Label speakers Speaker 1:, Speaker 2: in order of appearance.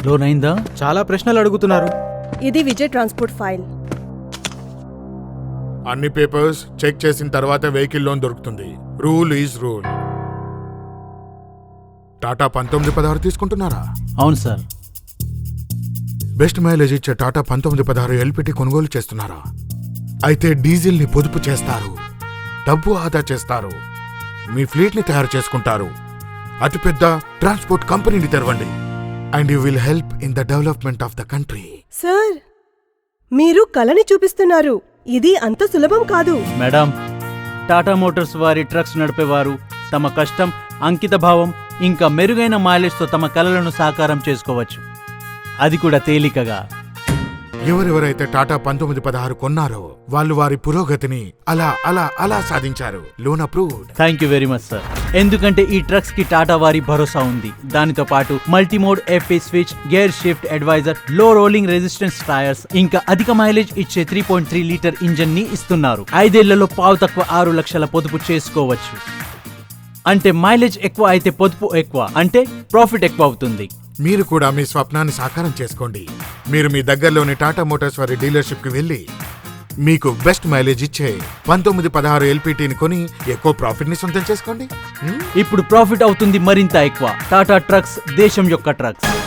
Speaker 1: Loan అయిందా?
Speaker 2: చాలా ప్రశ్నలు అడుగుతున్నారు.
Speaker 3: ఇది విజయ్ ట్రాన్స్పోర్ట్ ఫైల్.
Speaker 4: అన్ని పేపర్స్ చెక్ చేసిన తర్వాత వెహికల్ లోన్ దొరుకుతుంది. Rule is rule. టాటా 1916 తీసుకుంటున్నారా?
Speaker 1: అవును సార్.
Speaker 4: బెస్ట్ మైలేజ్ ఇచ్చే టాటా 1916 ఎల్పిటి కొనుగోలు చేస్తున్నారా? అయితే డీజిల్ ని పొదుపు చేస్తారు, డబ్బు ఆదా చేస్తారు, మీ ఫ్లీట్ ని తయారు చేసుకుంటారు, అతిపెద్ద ట్రాన్స్పోర్ట్ కంపెనీని తెరవండి. And you will help in the development of the country.
Speaker 3: Sir, మీరు కళని చూపిస్తున్నారు. ఇది అంత సులభం కాదు.
Speaker 1: మేడం, టాటా మోటార్స్ వారి ట్రక్స్ నడిపేవారు తమ కష్టం, అంకిత భావం ఇంకా మెరుగైన మైలేజ్తో తమ కలలను సాకారం చేసుకోవచ్చు, అది కూడా తేలికగా.
Speaker 4: ఎవరెవరైతే టాటా 1916 కొన్నారో వాళ్ళు వారి పురోగతిని అలా అలా అలా సాధించారు. Loan approved.
Speaker 1: Thank you very much sir. ఎందుకంటే ఈ ట్రక్స్ కి టాటా వారి భరోసా ఉంది. దానితో పాటు multimode FA switch, gear shift advisor, low rolling resistance tyres, ఇంకా అధిక మైలేజ్ ఇచ్చే 3.3 లీటర్ ఇంజన్ ని ఇస్తున్నారు. 5 ఏళ్లలో పావు తక్కువ 6 లక్షల పొదుపు చేసుకోవచ్చు. అంటే మైలేజ్ ఎక్కువ అయితే పొదుపు ఎక్కువ, అంటే ప్రాఫిట్ ఎక్కువ అవుతుంది.
Speaker 4: మీరు కూడా మీ స్వప్నాన్ని సాకారం చేసుకోండి. మీరు మీ దగ్గరలోని టాటా మోటార్స్ వారి డీలర్షిప్ కి వెళ్లి మీకు బెస్ట్ మైలేజ్ ఇచ్చే 1916 ఎల్పిటిని కొని ఎక్కువ ప్రాఫిట్ ని సొంతం చేసుకోండి.
Speaker 1: ఇప్పుడు ప్రాఫిట్ అవుతుంది మరింత ఎక్కువ. టాటా ట్రక్స్, దేశం యొక్క ట్రక్స్.